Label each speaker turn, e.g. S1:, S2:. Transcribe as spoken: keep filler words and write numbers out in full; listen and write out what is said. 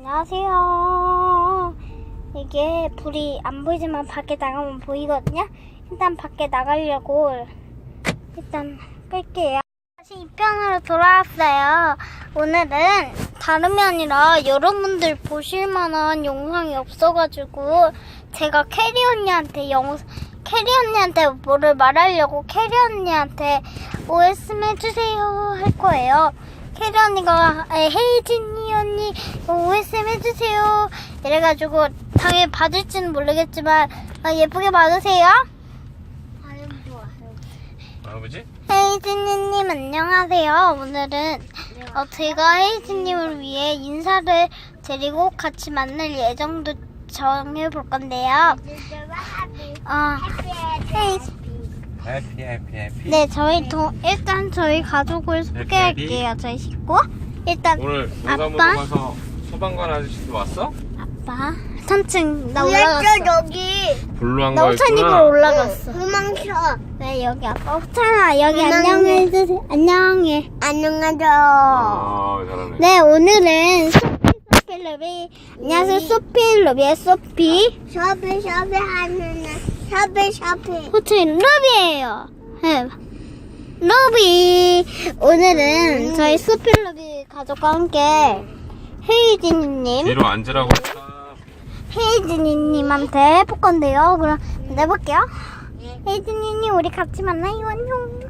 S1: 안녕하세요. 이게 불이 안 보이지만 밖에 나가면 보이거든요. 일단 밖에 나가려고 일단 끌게요. 다시 입양으로 돌아왔어요. 오늘은 다름이 아니라 여러분들 보실만한 영상이 없어가지고 제가 캐리 언니한테 영 캐리 언니한테 뭐를 말하려고 캐리 언니한테 오에스엠 해주세요 할 거예요. 캐리 언니가 헤이진이 언니 오에스엠 해주세요 이래가지고 당연히 받을지는 모르겠지만 예쁘게 받으세요.
S2: 아버지?
S1: 헤이진이님 안녕하세요. 오늘은 어, 제가 헤이진님을 위해 인사를 드리고 같이 만날 예정도 정해볼 건데요. 어, 헤이진
S2: 해피 해피 해피.
S1: 네, 저희 동, 일단 저희 가족을 소개할게요. 저희 식구. 일단
S2: 오늘
S1: 아빠,
S2: 농사무도 가서 소방관 아저씨도 왔어?
S1: 아빠, 삼 층 나 올라갔어.
S3: 여기
S2: 블루한
S1: 나 호찬이로
S2: 거였구나.
S1: 올라갔어.
S3: 도망쳐.
S1: 네, 여기 아빠 호찬아 여기
S3: 도망쳐.
S1: 안녕해주세요. 안녕해.
S3: 안녕하세요.
S2: 아 잘하네.
S1: 네, 오늘은 소피 소피러비. 안녕하세요, 소피러비의 소피.
S3: 셔피 셔피 하는 셔피 셔피.
S1: 호찬이 러비예요. 네. 러비. 오늘은 저희 소피러비 가족과 함께 헤이진이님.
S2: 뒤로 앉으라고 했다.
S1: 헤이진이님한테 해볼 건데요. 그럼 내볼게요. 헤이진이님 우리 같이 만나요. 안녕.